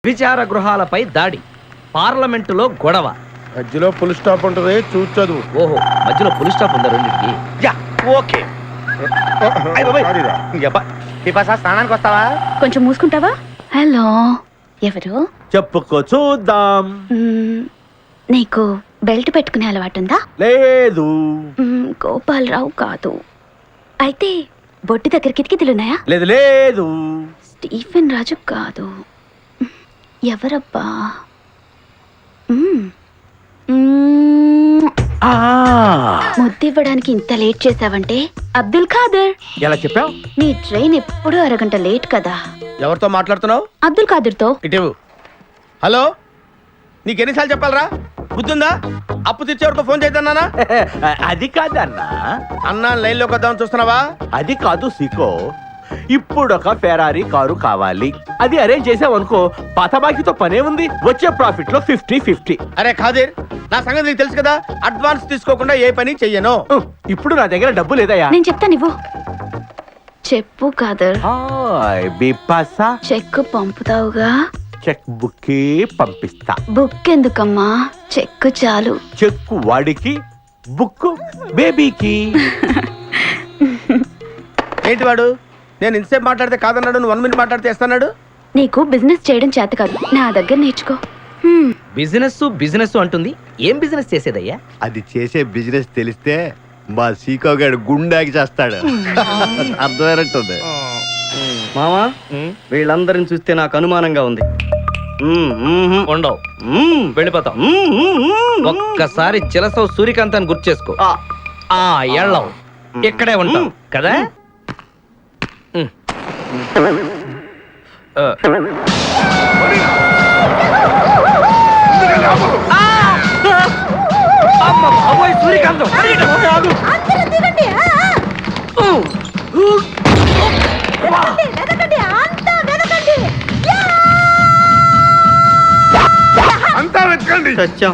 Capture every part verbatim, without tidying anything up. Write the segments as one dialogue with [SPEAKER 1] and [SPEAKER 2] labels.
[SPEAKER 1] విచార గృహాలపై దాడి, పార్లమెంటులో గొడవ.
[SPEAKER 2] మధ్యలో ఫుల్ స్టాప్ ఉంటుంది, చూసి చదువు.
[SPEAKER 1] ఓహో, మధ్యలో ఫుల్ స్టాప్ ఉందా రెండింటికి?
[SPEAKER 3] Yeah okay. స్నానానికి వస్తావా?
[SPEAKER 4] కొంచెం మూసుకుంటావా? హలో, ఎవరు?
[SPEAKER 3] చెప్పుకో చూద్దాం.
[SPEAKER 4] మ్మ్, నీకు బెల్ట్ పెట్టుకునే అలవాటుందా?
[SPEAKER 3] లేదు.
[SPEAKER 4] మ్మ్, గోపాలరావు కాదు. అయితే బొట్టి దగ్గర కిటికీలున్నాయా?
[SPEAKER 3] లేదు లేదు.
[SPEAKER 4] స్టీఫెన్ రాజు కాదు. ఎవరబ్బా? మ్మ్, మ్మ్,
[SPEAKER 3] ఆ
[SPEAKER 4] ముద్దివ్వడానికి ఇంత లేట్ చేసావంటే అబ్దుల్ ఖాదర్.
[SPEAKER 3] ఎలా చెప్పావు?
[SPEAKER 4] నీ ట్రైన్ ఎప్పుడూ అరగంట లేట్ కదా.
[SPEAKER 2] ఎవరితో మాట్లాడుతున్నావు?
[SPEAKER 4] అబ్దుల్ ఖాదర్తో.
[SPEAKER 2] ఇటు. హలో, నీకు ఎన్నిసార్లు చెప్పాలరా? బుద్ధుందా? అప్పు తెచ్చేవరకు ఫోన్ చేద్దానా?
[SPEAKER 3] అది కాదన్నా.
[SPEAKER 2] అన్నా లైన్ లోకి వద్దామని చూస్తున్నావా?
[SPEAKER 3] అది కాదు సీకో. ఇప్పుడు ఒక ఫెరారీ కారు కావాలి. అది అరేంజ్ చేసావనుకో, పాత బాకీతో పనే ఉంది. వచ్చే ప్రాఫిట్ లో ఫిఫ్టీ ఫిఫ్టీ.
[SPEAKER 2] అరే ఖాదీర్, నా సంగతి నీకు తెలుసు కదా. అడ్వాన్స్ తీసుకోకుండా ఏ పని చెయ్యను.
[SPEAKER 3] ఇప్పుడు నా దగ్గర డబ్బు లేదయ్యా.
[SPEAKER 4] నేను చెప్తాను, ఇవ్వు. చెప్పు ఖాదర్.
[SPEAKER 3] హాయ్ బిపాసా.
[SPEAKER 4] చెక్ పంపుతావుగా?
[SPEAKER 3] చెక్ బుక్ పంపిస్తా.
[SPEAKER 4] బుక్ ఎందుకమ్మా, చెక్ చాలు.
[SPEAKER 3] చెక్ వాడికి, బుక్ బేబీకి.
[SPEAKER 2] ఏంటి వాడు? నేను ఇంతసేపు మాట్లాడితే కాదన్నాడు, నువ్వు వన్ మినిట్ మాట్లాడితే ఇస్తాడు.
[SPEAKER 4] నీకు బిజినెస్ చేయడం చేత కాదు, నా దగ్గర నేర్చుకో. హ్మ్.
[SPEAKER 1] బిజినెస్ బిజినెస్ అంటుంది. ఏం బిజినెస్ చేసేదయ్యా?
[SPEAKER 5] అది చేసే బిజినెస్ తెలిస్తే మా సీకో గారు గుండాకి చేస్తాడు. అర్థమైనట్టుంది.
[SPEAKER 6] మామా, వీళ్ళందరిని చూస్తే నాకు అనుమానంగా ఉంది.
[SPEAKER 1] ఉండవు, వెళ్ళిపోతాం. ఒక్కసారి చిలసవు సూర్యకాంతాన్ని గుర్తు చేసుకో. ఆ ఎళ్ళవు, ఇక్కడే ఉంటాం కదా. ఆ. అమ్మ బాబోయ్, సూర్యకాంతం
[SPEAKER 2] అంతా వెతకండి.
[SPEAKER 6] సత్యం,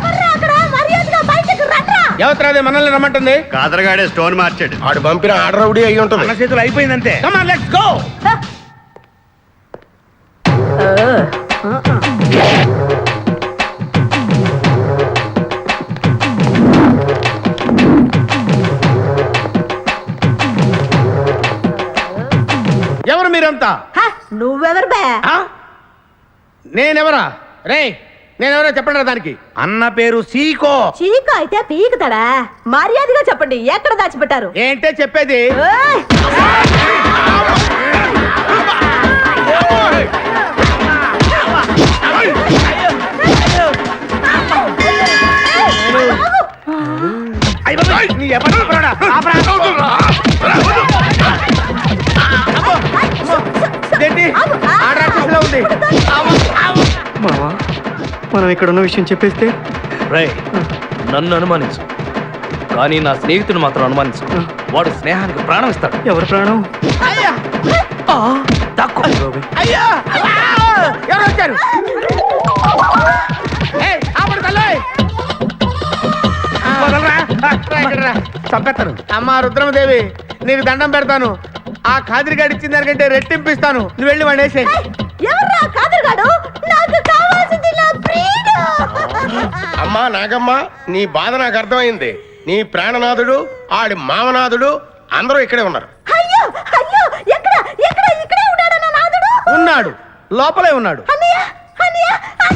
[SPEAKER 2] ఎవరిది మనల్ని రమ్మంటుంది?
[SPEAKER 5] కాదరగాడే స్టోన్ మార్చాడు.
[SPEAKER 2] ఆడు పంపిన ఆర్డర్ ఒకటి అయ్యి ఉంటుంది. మన చేతులు అయిపోయిందంటే. Come on, let's go. ఎవరు మీరంతా?
[SPEAKER 7] నువ్వెవరు బే?
[SPEAKER 2] ఆ? నేనెవరా? రే, నేనెవరో చెప్పండి రా దానికి. అన్న పేరు సీకో.
[SPEAKER 7] చీకు అయితే పీకుతాడా? మర్యాదగా చెప్పండి, ఎక్కడ దాచిపెట్టారు?
[SPEAKER 2] ఏంటే చెప్పేది?
[SPEAKER 7] ఏయ్!
[SPEAKER 2] అయ్ బాబోయ్, నీ ఎప్పుడు చెప్పరాడా? ఆపరా. ఇదేంటి? ఆ రాక్షసులా ఉంది.
[SPEAKER 6] మామా, మనం ఇక్కడ ఉన్న విషయం చెప్పేస్తే?
[SPEAKER 1] రే, నన్ను అనుమానించు, కానీ నా స్నేహితుడు మాత్రం అనుమానించు. వాడు స్నేహానికి ప్రాణం ఇస్తాడు.
[SPEAKER 6] ఎవరి ప్రాణం?
[SPEAKER 2] అయ్యా,
[SPEAKER 1] తక్కువ
[SPEAKER 2] అయ్యా, ఎవరు వచ్చారు? ఏయ్, ఆపడు తల్లోయ్. వదలరా. రా ఇక్కడ రా. చంపేస్తాను. అమ్మా రుద్రమదేవి, నీకు దండం పెడతాను. ఆ ఖాదిరిగాడు ఇచ్చిన దానికంటే రెట్టింపిస్తాను. నువ్వు వెళ్ళి వాడు వేసేయ్.
[SPEAKER 7] ఎవర్రా కాదరుగాడు? నాకు కావాల్సింది నా ప్రియుడు.
[SPEAKER 2] అమ్మా నాగమ్మ, నీ బాధ నాకు అర్థమైంది. నీ ప్రాణనాథుడు, ఆడి మామనాథుడు అందరూ ఇక్కడే ఉన్నారు.
[SPEAKER 7] అయ్యో అయ్యో, ఎక్కడ ఎక్కడ ఇక్కడే ఉన్నాడు నా నాదుడు?
[SPEAKER 2] ఉన్నాడు, లోపలే ఉన్నాడు.
[SPEAKER 7] అన్నయ్య అన్నయ్య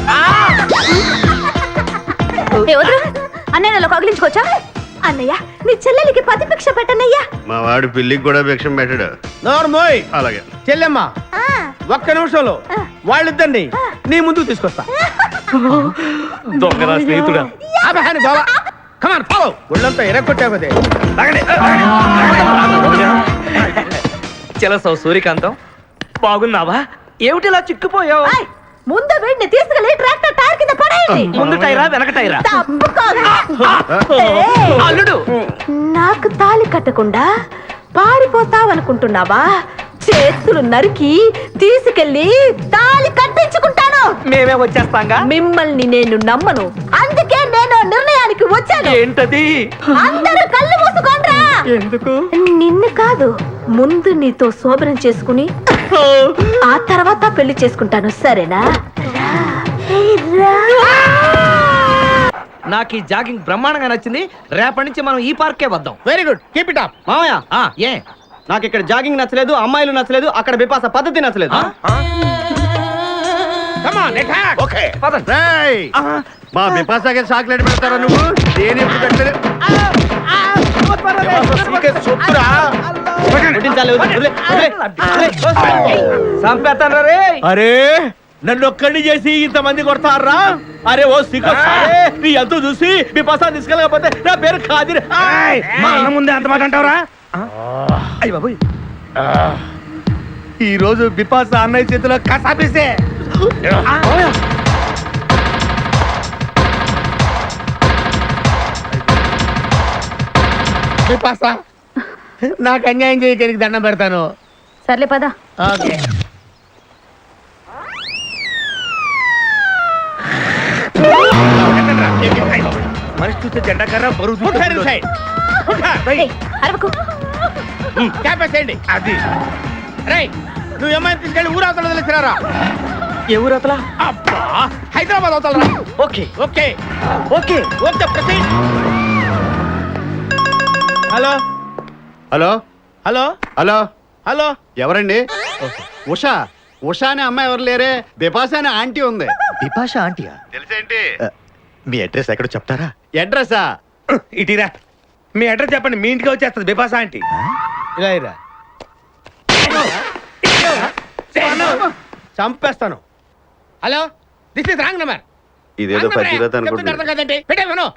[SPEAKER 4] ఏ వదరు, అన్నయ్యలో కగిలించుకోవచ్చా? అన్నయ్య, నీ చెల్లెలికి పతి భిక్ష పెట్టనయ్యా.
[SPEAKER 5] మా వాడు పిల్లికి కూడా భిక్షం పెట్టాడు.
[SPEAKER 2] నోరు మోయ్.
[SPEAKER 5] అలాగే
[SPEAKER 2] చెల్లెమ్మ, ఒక్క నిమిషంలో వాళ్ళిద్దండి నీ ముందుకు తీసుకొస్తా.
[SPEAKER 1] దొంగరా స్నేహితుడా.
[SPEAKER 2] ఆపహాని బావా. Come on follow. ఒళ్ళంతా ఎరగొట్టావదే.
[SPEAKER 1] చిలసవు సూర్యకాంతం, బాగున్నావా? ఏమిటిలా చిక్కుపోయావు?
[SPEAKER 7] ఏయ్, ముందు వీడిని తీసుకెళ్ళి ట్రాక్టర్ టైర్ కింద పడేయండి.
[SPEAKER 1] ముందు టైరా వెనక టైరా?
[SPEAKER 7] తప్పుకోదు.
[SPEAKER 1] ఏయ్, అల్లుడు,
[SPEAKER 7] నాకు తాళి కట్టకుండా పారిపోతావనుకుంటున్నావా? చేతులు నరికి తీసుకెళ్లి తాళి కట్టించుకుంటాను.
[SPEAKER 1] మేమే వచ్చేస్తాంగా.
[SPEAKER 7] మిమ్మల్ని నేను నమ్మను, అందుకే నేను నిర్ణయానికి వచ్చాను.
[SPEAKER 1] ఏంటది?
[SPEAKER 7] అందరూ కళ్ళు మూసుకోండ్రా.
[SPEAKER 6] ఎందుకు?
[SPEAKER 7] నిన్ను కాదు,
[SPEAKER 4] ముందు నీతో శోభనం చేసుకుని ఆ తర్వాత పెళ్లి చేసుకుంటాను సరేనా
[SPEAKER 1] నాకు ఈ జాగింగ్ బ్రహ్మాండంగా నచ్చింది. రేపటి నుంచి మనం ఈ పార్కే వద్దాం.
[SPEAKER 2] Very good keep it up.
[SPEAKER 6] మామయ్య
[SPEAKER 1] ఆ, ఏ
[SPEAKER 6] నాకు ఇక్కడ జాగింగ్ నచ్చలేదు, అమ్మాయిలు నచ్చలేదు, అక్కడ బిపాస పద్ధతి నచ్చలేదు.
[SPEAKER 2] Come on attack.
[SPEAKER 5] ఓకే
[SPEAKER 1] పదండి.
[SPEAKER 5] రేయ్, మా బిపాసాకి చాక్లెట్ పెడతారా నువ్వు? నేను ఎప్పుడు పెట్టలేదు.
[SPEAKER 6] వడ్డించాలి, వదిలే, వదిలే, వదిలే.
[SPEAKER 1] చంపేస్తాను రే.
[SPEAKER 3] అరే నన్ను ఒక్కడిని చేసి ఇంతమంది కొడతారా? అరే ఓ సిగ్గు సాలే, నీ ఎంత చూసి మీ పసా తీసుకెళ్ళకపోతే నా పేరు ఖాదిర్.
[SPEAKER 2] మా అన్న ముందే అంత మాట అంటావురా?
[SPEAKER 1] అయ్య బాబు,
[SPEAKER 2] ఈ రోజు బిపాస అన్నయ్య చేతిలో కసాపిస్తే బిపాస నాకు అన్యాయం చేయడానికి దండం పెడతాను.
[SPEAKER 4] సర్లే పద.
[SPEAKER 2] ఓకే
[SPEAKER 5] మనిషి చూస్తే జెండా కర్ర బరువు
[SPEAKER 4] ఏయ్, అరవకు.
[SPEAKER 2] క్యాపేసేయండి. అది రేయ్, నువ్వు ఏమైనా తీసుకెళ్ళి ఊరు అవతల వదిలేసినారా?
[SPEAKER 1] ఏ ఊరు అతలా?
[SPEAKER 2] అబ్బా, హైదరాబాద్ అవతలరా?
[SPEAKER 1] Okay
[SPEAKER 2] okay
[SPEAKER 1] okay.
[SPEAKER 2] ఓకే ప్రతి hello
[SPEAKER 5] hello
[SPEAKER 2] hello
[SPEAKER 5] hello
[SPEAKER 2] hello
[SPEAKER 5] ఎవరండి? ఉషా ఉషా అనే అమ్మాయి ఎవరు లేరే, బిపాస అనే ఆంటీ ఉంది.
[SPEAKER 1] బిపాష ఆంటీయా?
[SPEAKER 5] తెలుసేంటి? మీ అడ్రస్ ఎక్కడో చెప్తారా? అడ్రసా?
[SPEAKER 2] ఇటీరా మీ అడ్రస్ చెప్పండి, మీ ఇంటికి వచ్చేస్తుంది బిపాస ఆంటీ. ఇలా ఇరా, చంపేస్తాను. Hello, this is wrong number.
[SPEAKER 5] ఇదేదో పచ్చిరత అనుకుంటున్నా.
[SPEAKER 2] అర్థం కదండి, పెట్టేవను.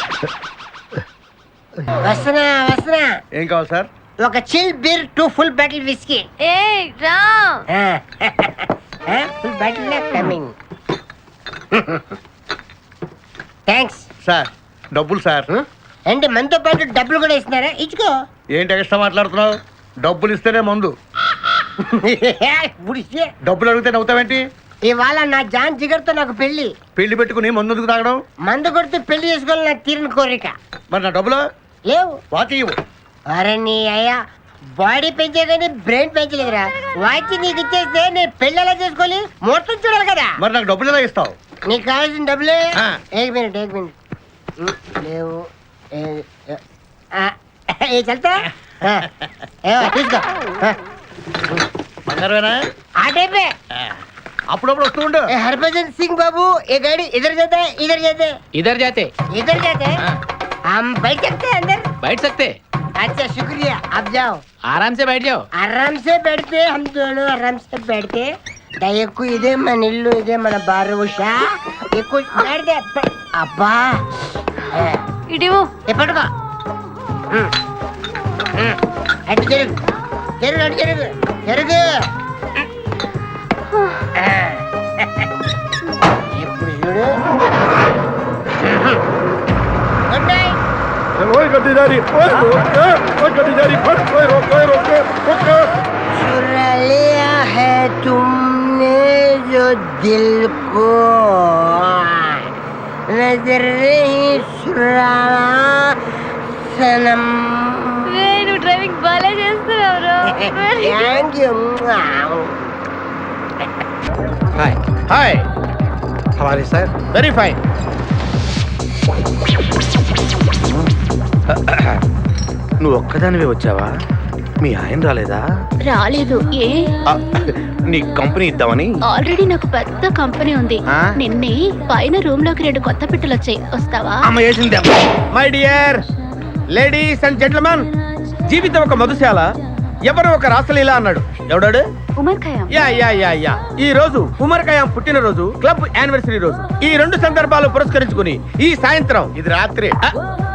[SPEAKER 8] వస్తున్నా వస్తున్నా.
[SPEAKER 2] ఏం కావాలి సార్?
[SPEAKER 8] ఒక chill beer two full bottle whisky.
[SPEAKER 4] ఏ రా.
[SPEAKER 8] Full bottle coming. Thanks.
[SPEAKER 5] Sir డబ్బులు సార్.
[SPEAKER 8] అంటే మనతో పాటు డబ్బులు కూడా ఇస్తున్నారా? ఇచ్చుకో.
[SPEAKER 2] ఏంటి ఎక్స్ట్రా మాట్లాడుతున్నావు? డబ్బులు ఇస్తేనే మందు,
[SPEAKER 8] గుడిసే.
[SPEAKER 2] డబ్బులు అడిగితే నవ్వుతావేంటి?
[SPEAKER 8] ఇవాళ నా జాన్ జిగర్తో నాకు పెళ్లి.
[SPEAKER 2] పెళ్లి పెట్టుకుని మందు ఎందుకు తాగడం?
[SPEAKER 8] మందు కొడితే పెళ్లి చేసుకోవాలి, నాకు తీరిన కోరిక.
[SPEAKER 2] మరి నా డబ్బులు
[SPEAKER 8] లేవు.
[SPEAKER 2] వాచి ఇవ్వు.
[SPEAKER 8] అరే నీ అయ్యా బాడీ పెంచే కానీ బ్రెయిన్ పెంచలేదురా. వాచి నీకు ఇచ్చేస్తే నేను పెళ్లి ఎలా చేసుకోవాలి? మొత్తం చూడాలి కదా.
[SPEAKER 2] మరి నాకు డబ్బులు ఎలా ఇస్తావు?
[SPEAKER 8] నీకు కావాల్సిన డబ్బులే.
[SPEAKER 2] ఆ.
[SPEAKER 8] ఏక్ మినిట్ ఏక్ మినిట్. ఉమ్, లేవు. ఏ- ఏ- ఆ, ఏ చల్తా ఆ, ఏవో తీసుకో. ఆ,
[SPEAKER 2] బంగారమేనా?
[SPEAKER 8] ఆ టైపే.
[SPEAKER 2] అప్పుడప్పుడు వస్తూ ఉండు.
[SPEAKER 8] ए हरभजन सिंह बाबू, ये गाड़ी इधर जाता है, इधर जाता है,
[SPEAKER 1] इधर जाते
[SPEAKER 8] इधर जाते हैं. हम बैठ सकते हैं अंदर?
[SPEAKER 1] बैठ सकते,
[SPEAKER 8] अच्छा शुक्रिया, आप जाओ.
[SPEAKER 1] आराम से बैठ जाओ.
[SPEAKER 8] आराम से बैठते, हम दोनों आराम से बैठते. దయకు ఇదే మన ఇల్లు, ఇదే మన బారు. ఉషా ఎక్కువ మాడితే అబ్బా
[SPEAKER 4] ఇడివు.
[SPEAKER 8] ఎప్పటికో అటు జరుగు జరుగు అటు జరుగు జరుగు. ఇప్పుడు చూడు. Good night. चुरा लिया है तुमने जो दिल को, नजर नहीं चुराना सनम.
[SPEAKER 4] నువ్వు డ్రైవింగ్ బాగా చేస్తున్నావు.
[SPEAKER 8] Thank you.
[SPEAKER 2] Hi hi, how are you sir. Very fine. నువ్వు ఒక్కదానివే వచ్చావా? మీ ఆయన రాలేదా?
[SPEAKER 4] రాలేదు. ఏ
[SPEAKER 2] ఆ, నీ కంపెనీ ఇద్దామని.
[SPEAKER 4] ఆల్రెడీ నాకు పెద్ద కంపెనీ ఉంది.
[SPEAKER 2] ఆ?
[SPEAKER 4] నిన్నే పైన రూమ్ లోకి రెండు కొత్త పిట్టలు వచ్చాయి, వస్తావా?
[SPEAKER 2] అమ్మ వేసింది. My dear ladies and gentlemen, జీవితం ఒక మధుశాల, ఎవరు ఒక రాసలీల అన్నాడు. ఎవడాడు?
[SPEAKER 4] Omar Khayyam.
[SPEAKER 2] Yeah yeah yeah yeah ఈ రోజు ఉమర్ ఖయాం పుట్టినరోజు, క్లబ్ యానివర్సరీ రోజు. ఈ రెండు సందర్భాలు పురస్కరించుకుని ఈ సాయంత్రం, ఇది రాత్రి, ఆ,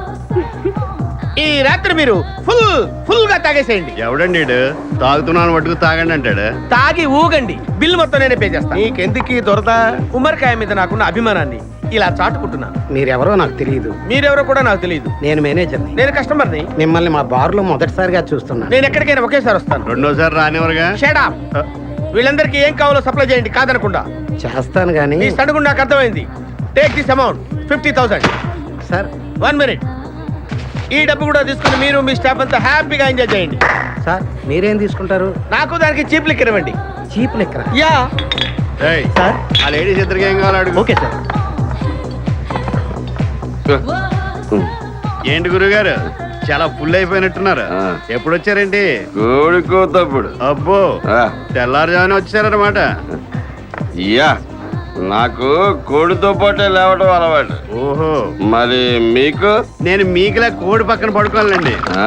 [SPEAKER 2] ఈ రాత్రి మీరు ఫుల్ ఫుల్ గా తాగేసేయండి.
[SPEAKER 5] ఎవడండి ఈడు? తాగుతున్నాను మటుకు తాగండి అంటాడు.
[SPEAKER 2] తాగి ఊగండి, బిల్ మొత్తం నేనే పే చేస్తాను. నీకెందుకు దొరద? ఉమర్ ఖయాం మీద నాకున్న అభిమానాన్ని ఇలా చాటుకుంటున్నాను.
[SPEAKER 6] మీరెవరో నాకు తెలియదు.
[SPEAKER 2] మీరెవరో కూడా నాకు తెలియదు.
[SPEAKER 6] నేను మేనేజర్ని.
[SPEAKER 2] నేను కస్టమర్ని.
[SPEAKER 6] మిమ్మల్ని మా బార్లో మొదటిసారిగా చూస్తున్నాను.
[SPEAKER 2] నేను ఎక్కడికైనా ఒకేసారి వస్తాను.
[SPEAKER 5] రెండోసారి రానివరుగా.
[SPEAKER 2] Shut up. వీళ్ళందరికీ ఏం కావాలో సప్లై చేయండి, కాదనకుండా.
[SPEAKER 6] చేస్తాను కానీ
[SPEAKER 2] ఈ సడుగు నాకు అర్థమైంది. Take this amount fifty thousand.
[SPEAKER 6] Sir
[SPEAKER 2] one minute. ఈ డబ్బు కూడా తీసుకుని మీరు మీ స్టాఫ్ అంతా హ్యాపీగా ఎంజాయ్ చేయండి.
[SPEAKER 6] సార్ మీరేం తీసుకుంటారు?
[SPEAKER 2] నాకు దానికి చీప్ లిక్కర్ ఇవ్వండి.
[SPEAKER 6] చీప్ లెక్కన.
[SPEAKER 2] యా
[SPEAKER 5] ఏయ్,
[SPEAKER 6] సార్
[SPEAKER 5] ఆ లేడీస్ ఇద్దరికి ఏం కావాలి అడుగు.
[SPEAKER 6] Okay sir.
[SPEAKER 5] ఏంటి గురుగారు చాలా ఫుల్ అయిపోయినట్టున్నారు. ఎప్పుడు వచ్చారేంటి?
[SPEAKER 9] కోడికోతప్పుడు
[SPEAKER 5] అబ్బో, తెల్లారుజామున వచ్చారన్నమాట.
[SPEAKER 9] యా నాకు కోడితో పాటే లేవడం అలవాటు.
[SPEAKER 5] ఓహో,
[SPEAKER 9] మరి మీకు?
[SPEAKER 5] నేను మీకులా కోడి పక్కన పడుకోవాలండి.
[SPEAKER 9] ఆ?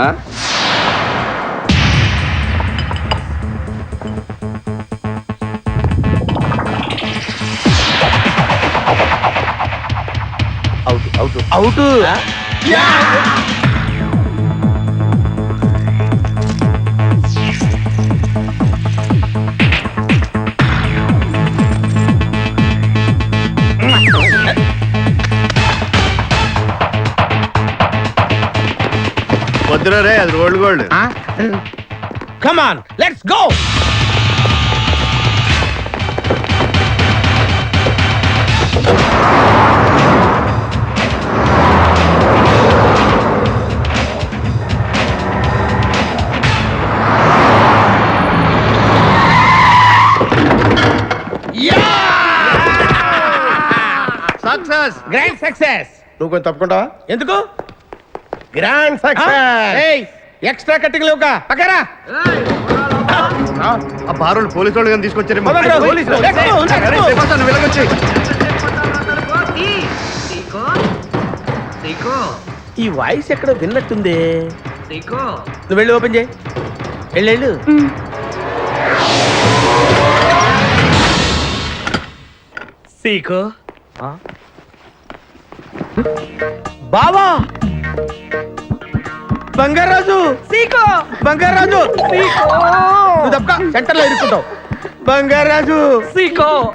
[SPEAKER 2] Out out out.
[SPEAKER 5] వద్దురా రే, అది rolled gold.
[SPEAKER 2] Come on let's go.
[SPEAKER 5] Success.
[SPEAKER 2] Grand success. నువ్వు కొంచెం తప్పుకుంటావా? ఎందుకు? Grand success. ఎక్స్ట్రా కట్టింగ్ లేవుగా పక్కరా.
[SPEAKER 5] ఆ బారోళ్ళు పోలీసు వాళ్ళు కానీ తీసుకొచ్చారేమో.
[SPEAKER 2] మొదలు రా, పోలీసులు. Let's go, let's go.
[SPEAKER 5] రేపు వస్తాను, వెళ్ళకొచ్చి.
[SPEAKER 2] ఈ వాయిస్ ఎక్కడ విన్నట్టుంది. నువ్వు వెళ్ళి ఓపెన్ చేయి. వెళ్ళు వెళ్ళు.
[SPEAKER 1] సీకో
[SPEAKER 2] బావా బంగారాజు. సీకో బంగారాజు. నువ్వు తప్పక సెంటర్ లో ఇరుక్కుంటావు. బంగారాజు.
[SPEAKER 1] సీకో